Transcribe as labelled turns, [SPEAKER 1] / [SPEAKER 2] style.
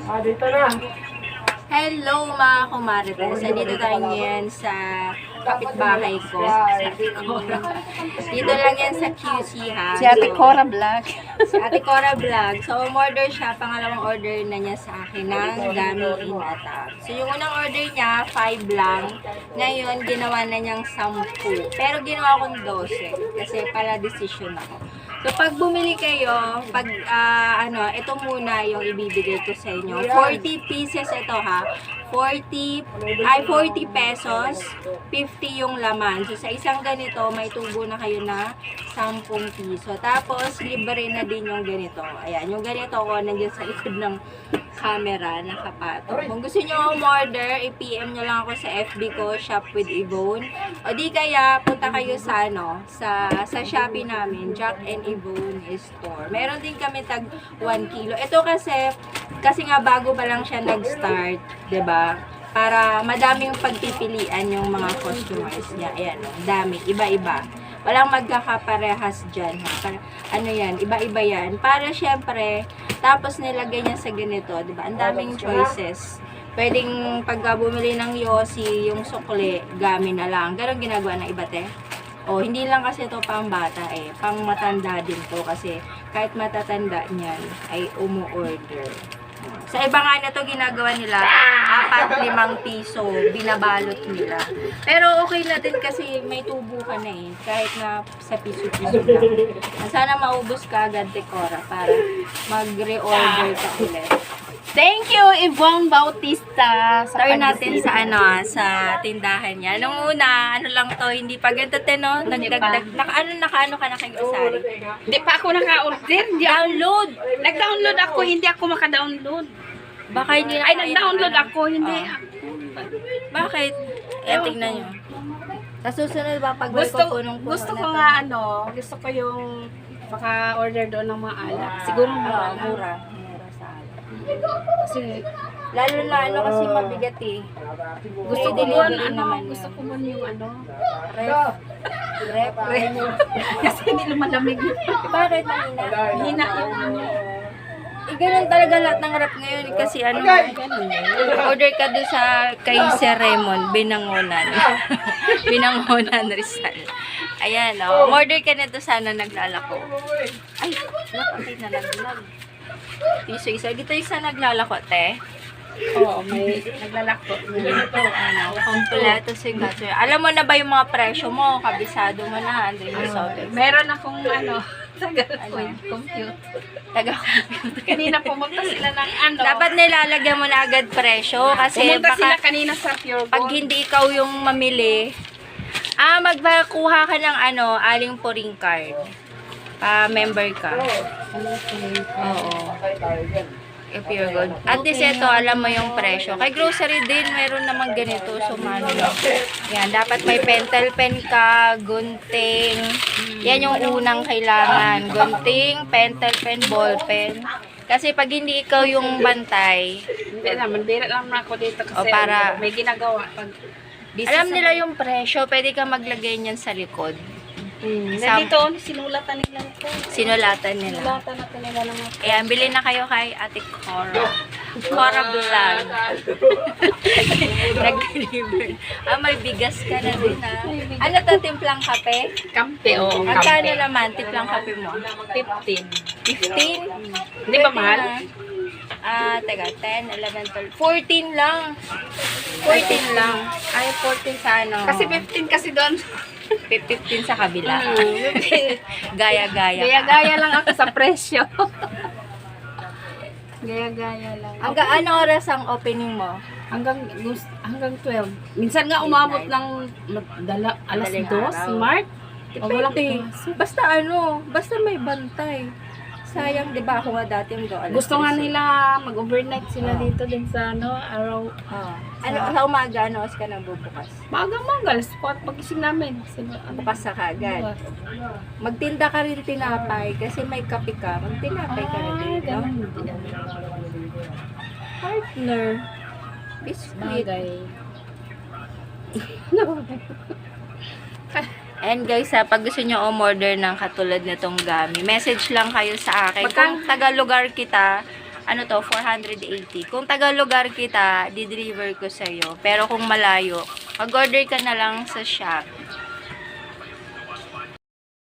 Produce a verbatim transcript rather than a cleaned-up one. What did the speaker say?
[SPEAKER 1] Ah, dito na.
[SPEAKER 2] Hello mga kumarites. Dito tayo ngayon sa kapitbahay ko. Sa Ate Cora. Dito lang yan sa Q C ha.
[SPEAKER 3] Si Ate Cora Vlog.
[SPEAKER 2] Si Ate Cora Vlog. So, umorder siya. Pangalawang order na niya sa akin ng Gami in Attack. So, yung unang order niya, five lang. Ngayon, ginawa na niyang sampu. Pero ginawa kong dose. Kasi para decision ako. So, pag bumili kayo, pag, ah, ano, ito muna yung ibibigay ko sa inyo. forty pieces ito ha. forty, ay forty pesos, fifty yung laman. So, sa isang ganito, may tubo na kayo na ten piso. Tapos, libre na din yung ganito. Ayan, yung ganito ko, nandiyan sa likod ng camera, nakapatong. Kung gusto nyo umorder, i-P M nyo lang ako sa F B ko, Shop with Yvonne. O di kaya, punta kayo sa, ano, sa, sa Shopee namin, Jack and Yvonne Store. Meron din kami tag one kilo. Ito kasi, kasi nga bago pa lang siya nag-start, 'di ba? Para madaming pagpipilian yung mga customers niya. Ayan, oh, dami, iba-iba. Walang magkakaparehas dyan. Ha? Para, ano yan, iba-iba yan. Para syempre, tapos nilagay niya sa ganito, 'di ba? Ang daming choices. Pwedeng pagka bumili ng yosi, yung sukli, gami na lang. Ganon ginagawa ng iba, te. O, hindi lang kasi ito pang bata eh. Pang matanda din to kasi kahit matatanda niyan ay umu-order. Sa iba nga na to ginagawa nila, apat, limang piso, binabalot nila. Pero okay na din kasi may tubo ka na eh, kahit na sa piso-piso lang. Sana maubos ka agad, Decora, para mag-reorder ka ulit.
[SPEAKER 3] Thank you, Yvonne Bautista. Sa
[SPEAKER 2] Turn natin
[SPEAKER 3] pag-isip.
[SPEAKER 2] sa ano, ah, sa tindahan niya. Nung una, ano lang to, hindi pa ganito, te, no? Nagdagdag, naka, ano, naka, ano ka na kay Grocery?
[SPEAKER 3] Hindi pa ako naka-order. Hindi ako-
[SPEAKER 2] Download!
[SPEAKER 3] Nag-download ako, hindi ako maka-download.
[SPEAKER 2] Baka hindi na
[SPEAKER 3] Ay,
[SPEAKER 2] kaya
[SPEAKER 3] nag-download
[SPEAKER 2] ng-
[SPEAKER 3] ako, hindi
[SPEAKER 2] Oh.
[SPEAKER 3] ako.
[SPEAKER 2] Bakit? Eh, tingnan nyo. Sa susunod ba, pag
[SPEAKER 3] Gusto,
[SPEAKER 2] ko punong-puno
[SPEAKER 3] gusto
[SPEAKER 2] na
[SPEAKER 3] ko
[SPEAKER 2] to?
[SPEAKER 3] nga ano, gusto ko yung maka-order doon ng mga alak. Siguro
[SPEAKER 2] Oo,
[SPEAKER 3] mura.
[SPEAKER 2] mura. Mura sa alak.
[SPEAKER 3] Kasi
[SPEAKER 2] Lalo na ano kasi mabigat eh.
[SPEAKER 3] gusto ko
[SPEAKER 2] Free
[SPEAKER 3] mo,
[SPEAKER 2] delivery
[SPEAKER 3] ano,
[SPEAKER 2] naman
[SPEAKER 3] gusto
[SPEAKER 2] yun.
[SPEAKER 3] ko mo yung ano.
[SPEAKER 2] Ref. Ref. Ref.
[SPEAKER 3] Kasi hindi lumalamig.
[SPEAKER 2] Bakit mahina?
[SPEAKER 3] Hina yung ano.
[SPEAKER 2] Eh, ganun talaga lahat ng rep ngayon eh, kasi ano, order ka doon sa kay Sir Raymond, Binangonan. Binangonan Rizal. Ayan, oh. Order ka nito sana naglalako. Ay, nakapit na naglag. Piso isa. Dito isa naglalako, te.
[SPEAKER 3] Oo, may naglalako.
[SPEAKER 2] Ito, ano, kompleto signature. Alam mo na ba yung mga presyo mo? Kabisado mo na, Andre Misotes.
[SPEAKER 3] Meron akong ano, tagal
[SPEAKER 2] Ano?
[SPEAKER 3] compute.
[SPEAKER 2] Taga-computer.
[SPEAKER 3] Kanina pumunta sila ng ano.
[SPEAKER 2] Dapat nilalagyan mo na agad presyo kasi
[SPEAKER 3] pumunta sila
[SPEAKER 2] baka
[SPEAKER 3] kanina sa Pure
[SPEAKER 2] pag
[SPEAKER 3] Gold.
[SPEAKER 2] hindi ikaw yung mamili, ah, magkuha ka ng ano, aling puring card. Pa member ka. Oo. If you're good. At least ito, alam mo yung presyo. Kay grocery din, meron naman ganito. So, mano. Yan, dapat may pentel pen ka, gunting. Yan yung unang kailangan. Gunting, pentel pen, ball pen. Kasi pag hindi ikaw yung bantay,
[SPEAKER 3] Hindi naman, bira lang ako dito kasi
[SPEAKER 2] O, para-
[SPEAKER 3] may ginagawa. Pag busy
[SPEAKER 2] alam
[SPEAKER 3] sa-
[SPEAKER 2] nila yung presyo, pwede ka maglagay niyan sa likod.
[SPEAKER 3] Hmm.
[SPEAKER 2] Sam-
[SPEAKER 3] Nandito, sinulatan nila ito.
[SPEAKER 2] Sinulatan nila.
[SPEAKER 3] Sinulatan natin nila ng mga
[SPEAKER 2] Ayan, bilhin na kayo kay Ate Cora. Cora Vlog. Nag-deliver. Ah, may bigas ka na din ah. Ano to, timplang kape?
[SPEAKER 3] kampe. Oo,
[SPEAKER 2] Magkano
[SPEAKER 3] kampe.
[SPEAKER 2] naman timplang kape mo?
[SPEAKER 3] fifteen.
[SPEAKER 2] fifteen?
[SPEAKER 3] Hindi ba mahal?
[SPEAKER 2] Ah, teka, ten, eleven, twelve, fourteen lang. fourteen lang. Ay, fourteen sa ano?
[SPEAKER 3] Kasi fifteen kasi doon.
[SPEAKER 2] fifteen sa kabila.
[SPEAKER 3] Hmm.
[SPEAKER 2] Gaya-gaya ka.
[SPEAKER 3] Gaya-gaya lang ako sa presyo. Gaya-gaya lang.
[SPEAKER 2] Hanggang ano oras ang opening mo?
[SPEAKER 3] Hanggang gus- hanggang twelve. Minsan nga umabot ng dala, alas
[SPEAKER 2] Madaling
[SPEAKER 3] dos,
[SPEAKER 2] araw.
[SPEAKER 3] Mark. O walang
[SPEAKER 2] Depende.
[SPEAKER 3] klase.
[SPEAKER 2] Basta ano, basta may bantay. Sayang, di ba? Ako nga dati yung doon.
[SPEAKER 3] Gusto nga nila mag-overnight sila dito din sa ano, araw.
[SPEAKER 2] Ah. Ano, sa umaga, ano, oras ka nang bubukas?
[SPEAKER 3] Maaga-maga, alas kwatro pagising namin. Sila, ano,
[SPEAKER 2] Bukas sa kagad.
[SPEAKER 3] bukas.
[SPEAKER 2] Magtinda ka rin tinapay kasi may kape ka. Magtinapay ka rin
[SPEAKER 3] Ah,
[SPEAKER 2] dito.
[SPEAKER 3] ganun. Hindi na.
[SPEAKER 2] Partner. Biscuit.
[SPEAKER 3] Bagay.
[SPEAKER 2] And guys, ha, pag gusto nyo umorder ng katulad nitong gami, message lang kayo sa akin. Kung
[SPEAKER 3] Magkano?
[SPEAKER 2] taga lugar kita, ano to, four hundred eighty. Kung taga lugar kita, di-deliver ko sa'yo. Pero kung malayo, mag-order ka na lang sa shop.